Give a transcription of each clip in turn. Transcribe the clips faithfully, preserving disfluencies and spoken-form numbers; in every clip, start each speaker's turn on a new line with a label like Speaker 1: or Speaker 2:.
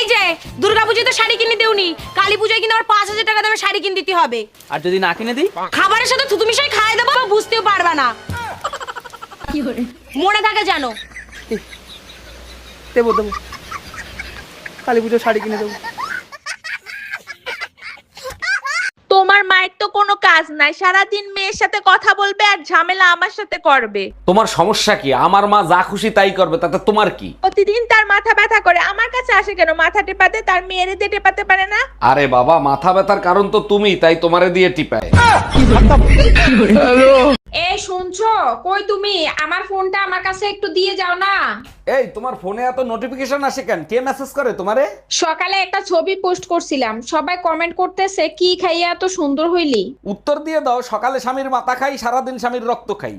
Speaker 1: এই যে দুর্গাপূজায় তো শাড়ি কিনে দেউনি, কালী পূজায় কিনে আবার পাঁচ হাজার টাকা দামের শাড়ি কিনে দিতে হবে।
Speaker 2: আর যদি না কিনে দিই?
Speaker 1: খাবারের সাথে থুতু মিশাই খাইয়ে দেবো, বুঝতেও পারবা না। মনে থাকে জানো।
Speaker 2: দেবো দেবো, কালী পুজো শাড়ি কিনে দেবো।
Speaker 3: তোমার মায়ের তো কোনো কাজ নাই, সারাদিন মেয়ের সাথে কথা বলবে আর ঝামেলা আমার সাথে করবে।
Speaker 4: তোমার সমস্যা কি? আমার মা যা খুশি তাই করবে, তাতে তোমার কি?
Speaker 3: প্রতিদিন তার মাথা ব্যথা করে, আমার কাছে আসে কেন? মাথা টেপাতে, তার মেয়েরে দিয়ে টেপাতে পারে না?
Speaker 4: আরে বাবা, মাথা ব্যথার কারণ তো তুমি, তাই তোমারে দিয়ে টিপায়।
Speaker 5: এ শুনছো? কই তুমি? আমার ফোনটা আমার কাছে একটু দিয়ে যাও না।
Speaker 4: এই তোমার ফোনে এত নোটিফিকেশন আসে কেন? কে মেসেজ করে তোমারে?
Speaker 5: সকালে একটা ছবি পোস্ট করছিলাম, সবাই কমেন্ট করতেছে কি খাইয়া এত সুন্দর হইলি।
Speaker 4: উত্তর দিয়ে দাও, সকালে স্বামীর মাথা খাই, সারাদিন স্বামীর রক্ত খাই।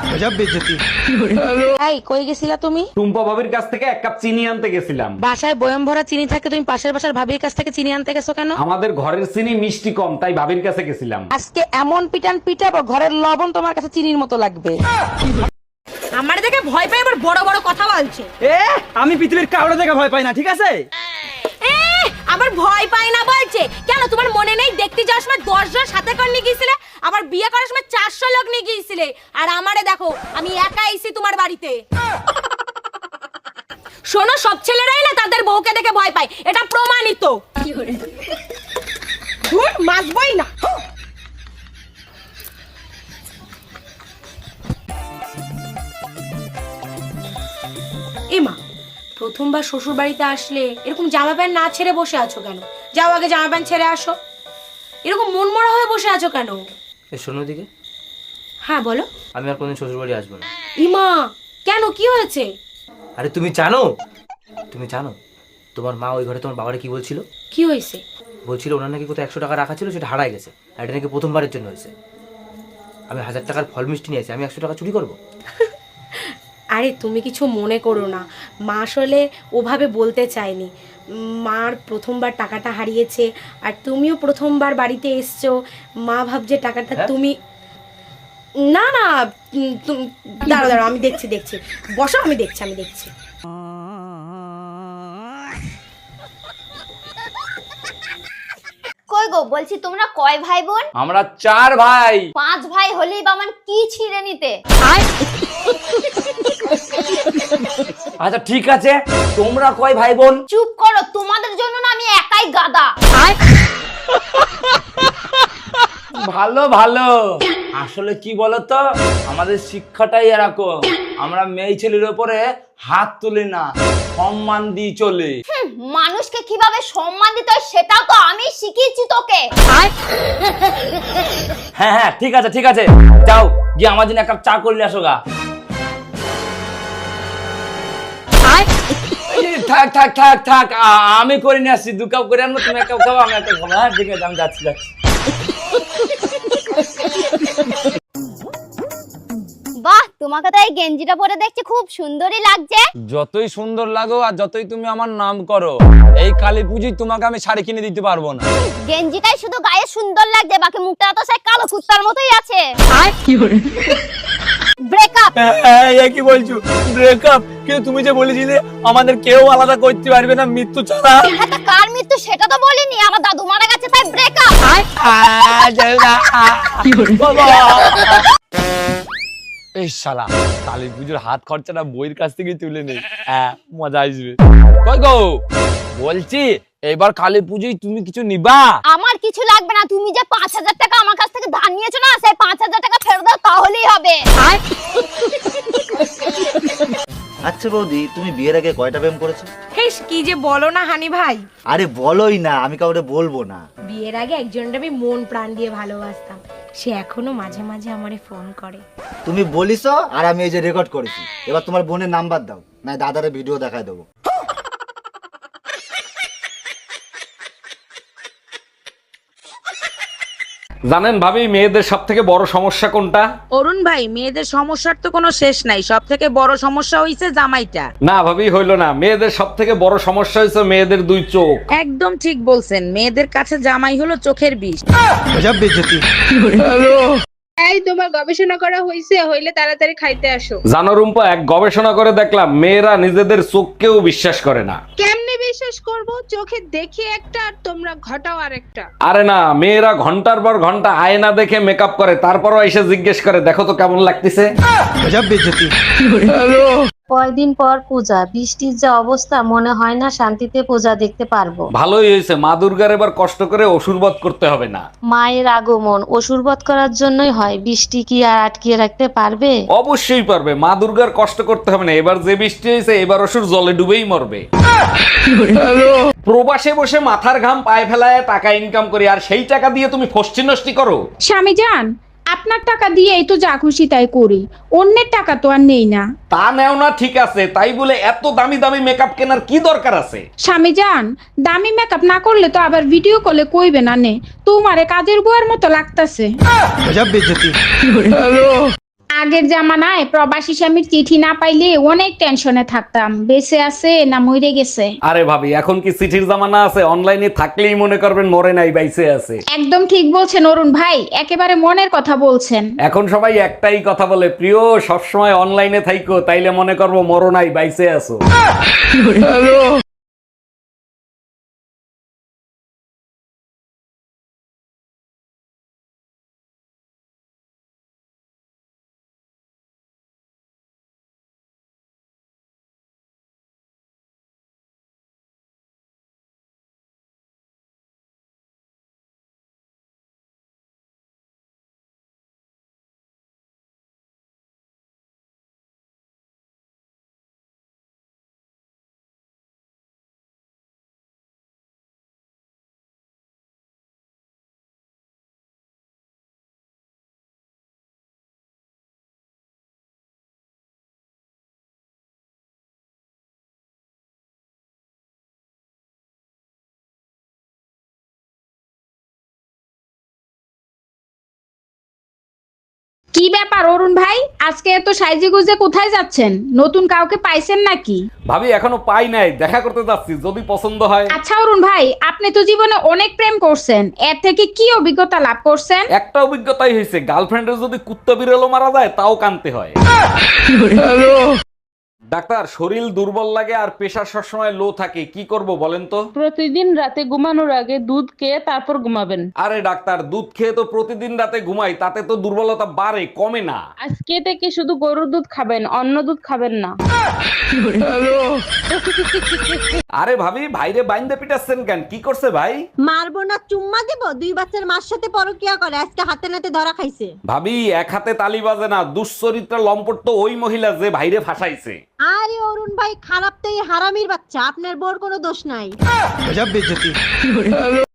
Speaker 6: এই কই গেছিলা তুমি?
Speaker 4: টুম্পা ভাবির কাছ থেকে এক কাপ চিনি আনতে গেছিলাম।
Speaker 6: বাসায় বয়ম ভরা চিনি থাকে, তুমি পাশের বাসার ভাবির কাছ থেকে চিনি আনতে গেছো কেন?
Speaker 4: আমাদের ঘরের চিনি মিষ্টি কম, তাই ভাবির কাছে গেছিলাম।
Speaker 6: আজকে এমন পিটান পিটাবো, ঘরের লবণ তোমার কাছে চিনির মতো লাগবে।
Speaker 1: আমার দেখে ভয় পাই, আবার বড় বড় কথা বলছে।
Speaker 2: এ আমি পৃথিবীর কাউরে দেখে ভয় পাই না, ঠিক আছে?
Speaker 1: এ আবার ভয় পাই না বলছে কেন? তোমার মনে নেই দেখতে যাওয়ার সময় দশ জন সাথে করে নিয়ে গিয়েছিলে, আবার বিয়ে করার সময় চারশো লোক নিয়ে গিয়েছিলে, আর আমারে দেখো আমি একা এসেছি তোমার বাড়িতে। শোনো, সব ছেলেরাই না তাদের বউকে দেখে ভয় পায়, এটা প্রমাণিত। ধুর, মাসবই না। এমা, প্রথমবার শ্বশুর বাড়িতে আসলে এরকম জামা প্যান্ট না ছেড়ে বসে আছো কেন? যাও আগে জামা প্যান্ট ছেড়ে আসো। এরকম মন মরা হয়ে বসে আছো কেন?
Speaker 2: এই শোনো দিকে,
Speaker 1: হ্যাঁ বলো।
Speaker 2: আমি আর কোনদিন শ্বশুর বাড়ি আসবো না।
Speaker 1: ইমা, কেন, কি হয়েছে?
Speaker 2: আরে তুমি জানো, তুমি জানো তোমার মা ওই ঘরে তোমার বাবারে কি বলছিল?
Speaker 1: কি হয়েছে?
Speaker 2: বলছিল ওনার নাকি কোথাও একশো টাকা রাখা ছিল, সেটা হারায় গেছে, আর এটা নাকি প্রথমবারের জন্য হয়েছে। আমি হাজার টাকার ফল মিষ্টি নিয়েছি, আমি একশো টাকা চুরি করবো?
Speaker 1: আরে তুমি কিছু মনে করো না, মা আসলে ওভাবে বলতে চায়নি। মার প্রথমবার টাকাটা হারিয়েছে, আর তুমিও প্রথমবার বাড়িতে এসছো, মা ভাবছে টাকাটা তুমি। না না, উম, তুম- দাঁড়াও দাঁড়াও, আমি দেখছি দেখছি বসো, আমি দেখছি আমি দেখছি।
Speaker 7: কই গো, বলছি তোমরা কয় ভাই বোন?
Speaker 4: আমরা চার ভাই।
Speaker 7: পাঁচ ভাই হলেই বা আমার কি ছিঁড়ে নিতে?
Speaker 4: আচ্ছা ঠিক আছে, তোমরা কয় ভাই বোন?
Speaker 7: চুপ করো, তোমাদের জন্য না আমি একাই গাদা।
Speaker 4: ভালো ভালো। আসলে কি বলতো, আমাদের শিক্ষাটাই এরকম, আমরা মেয়ে ছেলের উপরে হাত তুলি না, সম্মান দিয়ে চলে।
Speaker 7: হুম, মানুষকে কিভাবে সম্মান দিতে হয় সেটাও তো আমি শিখিয়েছি তোকে।
Speaker 4: হ্যাঁ হ্যাঁ ঠিক আছে ঠিক আছে, যাও গিয়ে আমার জন্য এক কাপ চা করলে আসো গা। এই, থাক থাক থাক থাক, আ- আমি করে নিয়ে আসছি, দু কাপ করে আনবো, তুমি এক কাপ খাবো, আমি এক কাপ খাবো। হ্যাঁ ঠিক আছে, আমি যাচ্ছি যাচ্ছি।
Speaker 7: বাহ, তোমাকে তো এই গেঞ্জিটা পরে দেখছি খুব সুন্দরই লাগছে।
Speaker 8: যতই সুন্দর লাগো আর যতই তুমি আমার নাম করো, এই কালী পুজোয় তোমাকে আমি শাড়ি কিনে দিতে পারবো না।
Speaker 7: গেঞ্জিটাই শুধু গায়ে সুন্দর লাগছে, বাকি মুখটা তো সেই কালো কুত্তার মতোই আছে। ব্রেকআপ।
Speaker 8: এই কি বলছো? ব্রেকআপ? কিন্তু তুমি যে বলেছিলে আমাদের কেউ আলাদা করতে পারবে না মৃত্যু ছাড়া।
Speaker 7: হ্যাঁ, তা কার মৃত্যু সেটা তো বলিনি, আমার দাদু মারা গেছে তাই ব্রেকআপ।
Speaker 8: এই শালা, কালী পুজোর হাত খরচাটা বইয়ের কাছ থেকে তুলে নেই, হ্যাঁ মজা আসবে। কই গো, বলছি এবার কালী পুজোয় তুমি কিছু নিবা?
Speaker 7: আমার কিছু লাগবে না, তুমি যে পাঁচ হাজার টাকা আমার কাছ থেকে ধার নিয়েছো না, সেই পাঁচ হাজার টাকা ফেরত দাও, তাহলেই হবে।
Speaker 9: আচ্ছা বৌদি, তুমি বিয়ের আগে কয়টা প্রেম করেছো?
Speaker 1: হেস, কি যে বলো না হানি ভাই,
Speaker 9: আরে বলোই না, আমি কাউকে বলবো না।
Speaker 1: বিয়ের আগে একজনটা আমি মন প্রাণ দিয়ে ভালোবাসতাম, সে এখনো মাঝে মাঝে আমারে ফোন করে।
Speaker 9: তুমি বলিস আর আমি এই যে রেকর্ড করেছি, এবার তোমার বোনের নাম্বার দাও, না দাদারে ভিডিও দেখায় দেবো।
Speaker 4: জানেন ভাবি, মেয়েদের সব থেকে বড় সমস্যা কোনটা?
Speaker 6: অরুণ ভাই, মেয়েদের সমস্যার তো কোনো শেষ নাই, সব থেকে বড় সমস্যা হইছে জামাইটা।
Speaker 4: না ভাবি, হইলো না, মেয়েদের সব থেকে বড় সমস্যা হয়েছে মেয়েদের দুই চোখ।
Speaker 6: একদম ঠিক বলছেন, মেয়েদের কাছে জামাই হলো চোখের বিষ।
Speaker 5: এই তোমার গবেষণা করা হইছে? হইলে তাড়াতাড়ি খাইতে আসো।
Speaker 4: জানো রুম্পা, এক গবেষণা করে দেখলাম মেয়েরা নিজেদের চোখকেও বিশ্বাস করে না।
Speaker 5: কেমনে
Speaker 3: বিশ্বাস করব? চোখে দেখি একটা আর তোমরা ঘটাও আরেকটা।
Speaker 8: আরে না, মেয়েরা ঘন্টার পর ঘন্টা আয়না দেখে মেকআপ করে, তারপরও এসে জিজ্ঞেস করে দেখো তো কেমন লাগতেছে।
Speaker 10: কয়দিন পর পূজা, বৃষ্টির যা অবস্থা, মনে হয় না শান্তিতে পূজা দেখতে পারবো।
Speaker 8: ভালোই হয়েছে, মা দুর্গার এবার কষ্ট করে অসুর বধ করতে হবে না।
Speaker 10: মায়ের আগমন অসুরবধ করার জন্যই হয়, বৃষ্টি কি আর আটকিয়ে রাখতে পারবে?
Speaker 8: অবশ্যই পারবে, মা দুর্গার কষ্ট করতে হবে না। এবার যে বৃষ্টি হয়েছে এবার অসুর জলে ডুবেই মরবে। প্রবাসে বসে মাথার ঘাম পায়ে ফেলায় টাকা ইনকাম করি, আর সেই টাকা দিয়ে তুমি ফষ্টি নষ্টি করো।
Speaker 5: স্বামী যান, আপনার টাকা দিয়েই তো যা খুশি তাই করি, অন্যের টাকা তো আর নেই না।
Speaker 8: তা নেও না ঠিক আছে, তাই বলে এত দামি দামি মেকআপ কেনার কি দরকার আছে?
Speaker 5: স্বামী যান, দামি মেকআপ না করলে তো আবার ভিডিও কলে কইবে না নে তোমারে কাজের বুয়ার মতো লাগতাছে। আগের জামানায় প্রবাসী স্বামীর চিঠি না পাইলে অনেক টেনশনে থাকতাম, বেঁচে আছে না মরে গেছে।
Speaker 8: আরে ভাবি, এখন কি চিঠির জামানা আছে? অনলাইনে থাকলেই মনে করবেন মরে নাই, বাইসে আছে।
Speaker 5: একদম ঠিক বলছেন অরুণ ভাই, একেবারে মনের কথা বলছেন।
Speaker 8: এখন সবাই একটাই কথা বলে, প্রিয় সবসময় অনলাইনে থাইকো, তাইলে মনে করবো মরো নাই, বাইসে আছো।
Speaker 5: কি ব্যাপার অরুণ ভাই, আজকে এত সাইজে গুজে কোথায় যাচ্ছেন? নতুন কাউকে পাইছেন নাকি?
Speaker 8: ভাবি এখনো পাই নাই, দেখা করতে যাচ্ছি, যদি পছন্দ হয়।
Speaker 5: আচ্ছা অরুণ ভাই, আপনি তো জীবনে অনেক প্রেম করছেন, এর থেকে কি অভিজ্ঞতা লাভ করছেন?
Speaker 8: একটা অভিজ্ঞতাই হয়েছে, গার্লফ্রেন্ডের যদি কুত্তা বিড়ালও মারা যায় তাও কানতে হয়। ডাক্তার, শরীর দুর্বল লাগে আর প্রেশার সবসময় লো থাকে, কি করব বলেন তো?
Speaker 6: প্রতিদিন রাতে ঘুমানোর আগে দুধ খেয়ে তারপর ঘুমাবেন।
Speaker 8: আরে ডাক্তার, দুধ খেয়ে তো প্রতিদিন রাতে ঘুমাই, তাতে তো দুর্বলতা বাড়ে, কমে না।
Speaker 6: আজকে থেকে শুধু গরুর দুধ খাবেন, অন্য দুধ খাবেন না।
Speaker 8: আরে ভাবি, ভাইরে বাইন্দে পিটাচ্ছেন কেন? কি করছে ভাই?
Speaker 7: মারবো না চুম্মা দিব, দুই বাচ্চার মার সাথে পরকিয়া করে, আজকে হাতে নাতে ধরা খাইছে।
Speaker 8: ভাবি এক হাতে তালি বাজে না, দুশ্চরিত্রা লম্পট তো ওই মহিলা যে ভাইরে ফাঁসাইছে।
Speaker 7: আরে অরুণ ভাই, খারাপ তো এই হারামির বাচ্চা, আপনার বোর কোনো দোষ নাই।